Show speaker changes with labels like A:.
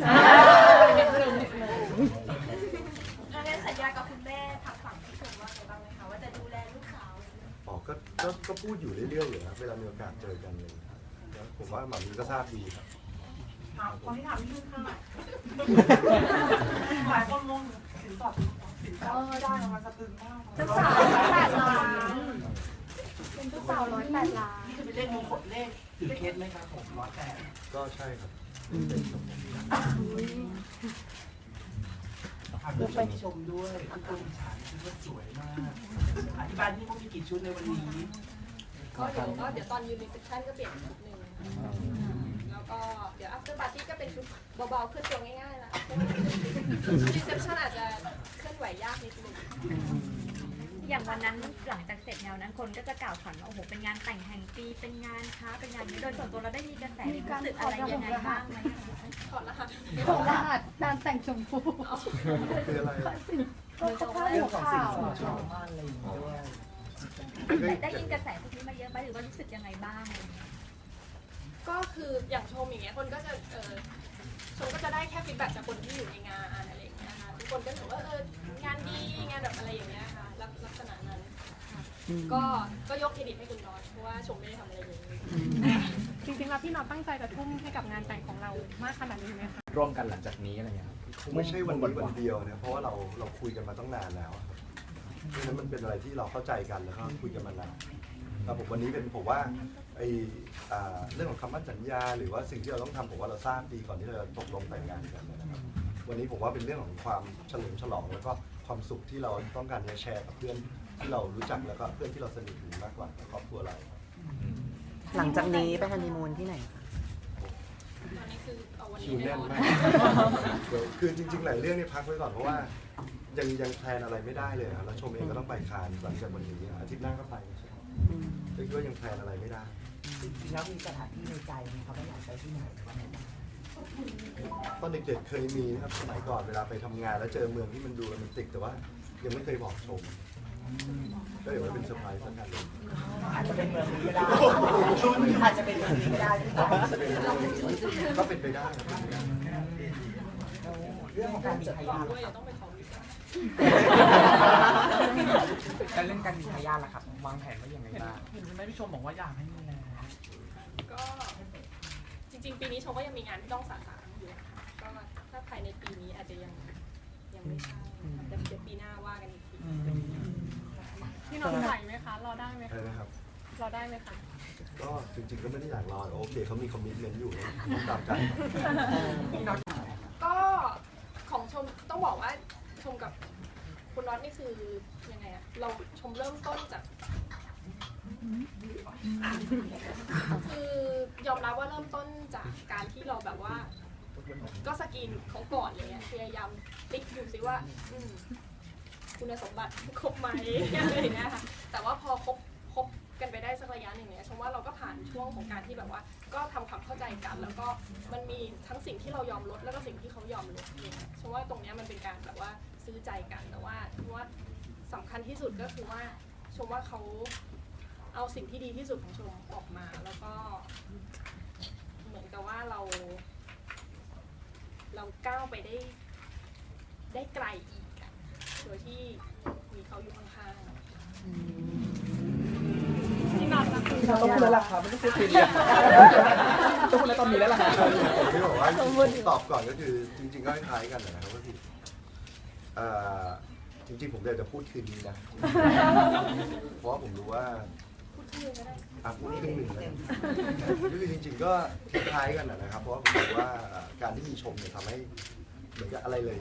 A: ถ้าได้สัญญากับคุณแม่ทางฝั่งพี่ชมว่าไงบ้างไหมคะว่าจะดูแลลูกสาว
B: อ๋อก็พูดอยู่เรื่อยๆอยู่นะเวลามีโอกาสเจอกันเลยแล้วผมว่าหมามีก็ทราบดีครับ
C: คนที่ถามพี่นุ่นค่ะหลายคนงงสินสอดได้มาสะตึงมาก
A: เจ้าสาว108 ล้านเป็นเจ้าสาว108 ล้าน
C: นี่จะเป็นเลขมงคลเลขถือเคสไหมครับผม108
B: ก็ใช่ครับ
C: ลูกไปชมด้วยทุกคนอิจฉาชุดว่าสวยมากอธิบายที่ว่ามีกี่ชุดในวันนี้
D: ก็เดี๋ยวตอนยืนรีเซพชันก็เปลี่ยนชุดหนึ่งแล้วก็เดี๋ยว after party ก็เป็นชุดเบาๆเคลื่อนตัวง่ายๆละรีเซพชันอาจจะเคลื่อนไหวยากนิดนึง
A: อย่างวันนั้นหลังจากเสร็จแนวนั้นคนก็จะกล่าวขวัญว่าโอ้โหเป็นงานแต่งแห่งปีเป็นงานค้าเป็นงานนี้โดยส่วนตัวเราได้มีกระแสรู้สึกอะไรยังไงบ้างไหม
D: ถอดรหัส
A: การแต่งชมพู
B: คืออะไร
A: ก็เขา
C: เรื่องของสิ่งส
A: ข่าว
C: อดชาวบ้านอะไรอย่างเงี้ยด้วย
A: ได้ยินกระแสพวกนี้มาเยอะไหมหรือว่ารู้สึกยังไงบ้าง
D: ก็คืออย่างชมอย่างเงี้ยคนก็จะชมก็จะได้แค่ฟีดแบ็กจากคนที่อยู่ในงานอะไรอย่างเงี้ยค่ะทุกคนก็ถือว่างานดีงานแบบอะไรอย่างเงี้ยค่ะลักษณะนั้นก็ยกเครดิตให้คุณน็อตเพราะว่าชมไม่ได้ทำอะไรเลย
E: จริงๆแล้วพี่น็อตตั้งใจจะทุ่มให้กับงานแต่งของเรามากขนาดนี้ไหมคะ
F: ร่วมกันหลังจากนี้อะไรเงี้ยครับ
B: ไม่ใช่วันนี้วันเดียวนะเพราะว่าเราคุยกันมาตั้งนานแล้วครับเพราะฉะนั้นมันเป็นอะไรที่เราเข้าใจกันแล้วก็คุยกันมานานแล้วผมวันนี้เป็นผมว่าเรื่องของคำมั่นสัญญาหรือว่าสิ่งที่เราต้องทำผมว่าเราทราบดีก่อนที่เราจะตกลงแต่งงานกันนะครับวันนี้ผมว่าเป็นเรื่องของความเฉลิมฉลองแล้วก็ความสุขที่เราต้องการจะแชร์กับเพื่อนที่เรารู้จักแล้วก็เพื่อนที่เราสนิทมากกว่าครอบครัวเรา
G: หลังจากนี้ไปฮันนีมูนที่ไหนคะ
D: ตอนนี้คือเอาวัน
B: คิ
D: นี้
B: วแน่นมากคือจริงๆหลายเรื่องนี่พักไว้ก่อนเพราะว่ายังแพลนอะไรไม่ได้เลยครับแล้วชมเองก็ต้องไปคานหลังจากวันนี้อาทิตย์หน้าก็ไปใช่ไหมก็คิดว่ายังแพลนอะไรไม่ได้
C: แล้วมีสถานที่ในใจไหมครับว่าอยากไปที่ไหนวันไหน
B: ตอนเด็กๆเคยมีนะครับสมัยก่อนเวลาไปทำงานแล้วเจอเมืองที่มันดูโรแมนติกแต่ว่ายังไม่เคยบอกชมก็เดี๋ยวมันเป็นเซอร์ไพรส์สักกันเลย
C: อาจจะเป็นเมืองนี้ก็ได้อาจจะเป็นเมืองนี้ก็ได้
B: ก็เป็นไปได้ครับ
C: เรื่องของการมีทายาท
D: ด้วยต้องไปขอวีซ่า
F: แล้วเรื่องการมีทายาทล่ะครับวางแผนไว้ยังไงบ้าง
C: เห็นคุณแม่พี่ชมบอกว่าอยากให้มีแล้ว
D: ก็จริงๆปีนี้ชมก็ยังมีงานที่ต้องสะสางอยู่นะคะก็ถ้าภายในปีนี้อาจจะยังไม่ใช่แต่เดี๋ยวปีหน้าว่ากันอีกที
E: พี่น็อตไหวไหมคะรอได้ไหมคะ
B: นะครับ
E: รอได้ไหมคะ
B: ก็จริงๆก็ไม่ได้อยากรอโอเคเขามีคอมมิชเมนต์อยู่ตามใจ
D: ก็ของชมต้องบอกว่าชมกับคุณน็อตนี่คือยังไงอะเราชมเริ่มต้นจากคือยอมรับว่าเริ่มต้นจากการที่เราแบบว่าก็สกรีนเขาก่อนอะไรเงี้ยพยายามติ๊กดูซิว่าคุณสมบัติครบไหมอะไรอย่างเงี้ยค่ะแต่ว่าพอคบกันไปได้สักระยะหนึ่งเนี่ยชมว่าเราก็ผ่านช่วงของการที่แบบว่าก็ทำความเข้าใจกันแล้วก็มันมีทั้งสิ่งที่เรายอมลดแล้วก็สิ่งที่เขายอมลดเนี่ยชมว่าตรงนี้มันเป็นการแบบว่าซื้อใจกันแต่ว่าสำคัญที่สุดก็คือว่าชมว่าเขาเอาสิ่งที่ดีที่สุดของชมออกมาแล้วก็เหมือนกับว่าเราก้าวไปได้ไกลอีกโดยที่มีเขาอยู่ข้างๆ
E: พี่น็อตล่ะ
F: ต้องพูดแล้วล่ะครับไม่ต้องพูดทีเดียวต้องพูดแล้วตอนนี้แล้วล่ะครับ
B: ผมที่บอกว่าตอบก่อนก็คือจริงๆก็คล้ายกันนะครับก็คือจริงๆผมอยากจะพูดคืนนี้นะเพราะว่าผมรู้ว่าพูดครึ่งหนึ่งเลยก็คือจริงๆก็คล้ายกันนะครับเพราะว่าผมรู้ว่าการที่มีชมเนี่ยทำให้เหมือนกับอะไรเลย